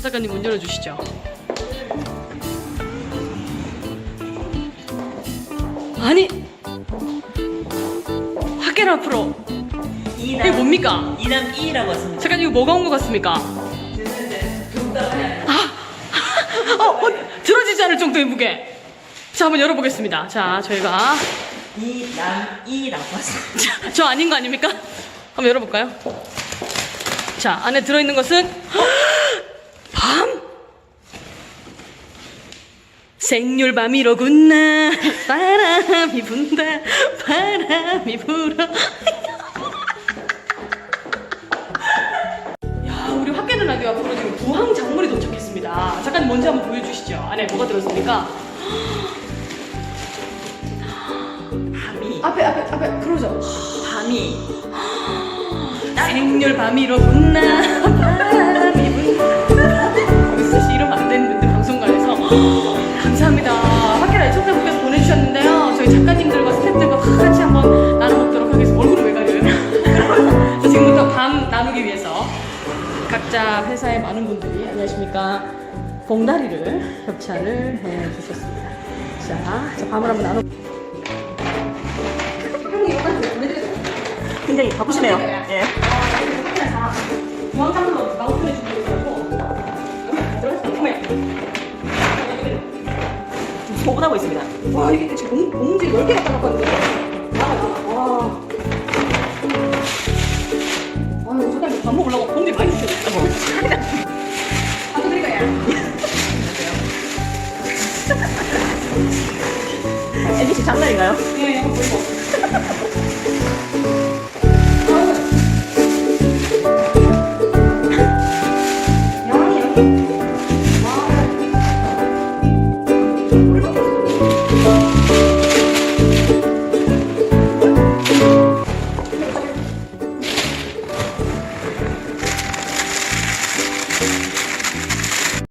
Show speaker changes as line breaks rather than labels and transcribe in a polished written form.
작가님 문 열어주시죠. 아니 학계를 앞으로 이게 뭡니까?
이남 이라고 왔습니다.
작가님 이거 뭐가 온 것 같습니까? 들어지지 않을 정도의 무게. 자 한번 열어보겠습니다. 자 저희가
이남 이라고 왔습니다.
저 아닌 거 아닙니까? 한번 열어볼까요? 자 안에 들어있는 것은 밤! 생률밤이로구나. 바람이 분다 바람이 불어. 야 우리 학계는 라디오 앞으로 지금 부항 작물이 도착했습니다. 작가님 먼저 한번 보여주시죠. 안에 뭐가 들었습니까?
밤이
앞에 그러죠.
밤이
생률밤이로구나 바람이 분다. 사실 이러면 안 되는데 방송관에서. 감사합니다. 학계라 청자분께서 보내주셨는데요. 저희 작가님들과 스태프들과 다 같이 한번 나눠먹도록 하겠습니다. 얼굴을 왜 가려요? 자, 지금부터 밤 나누기 위해서 각자 회사의 많은 분들이 안녕하십니까 봉다리를 협찬을 해주셨습니다. 자 밤을 한번 나눠.
굉장히 바쁘시네요. 예.
중앙장로 마우스를 준비해 있고
지금 소분하고 있습니다.
와 이게 지금 봉지 10개 갖다 놨거든요. 와. 아유 사장님 밥 먹으려고 봉지 많이 주셨어요. 밥 드릴까요?
MBC 장난인가요?
네, 이거 보이고.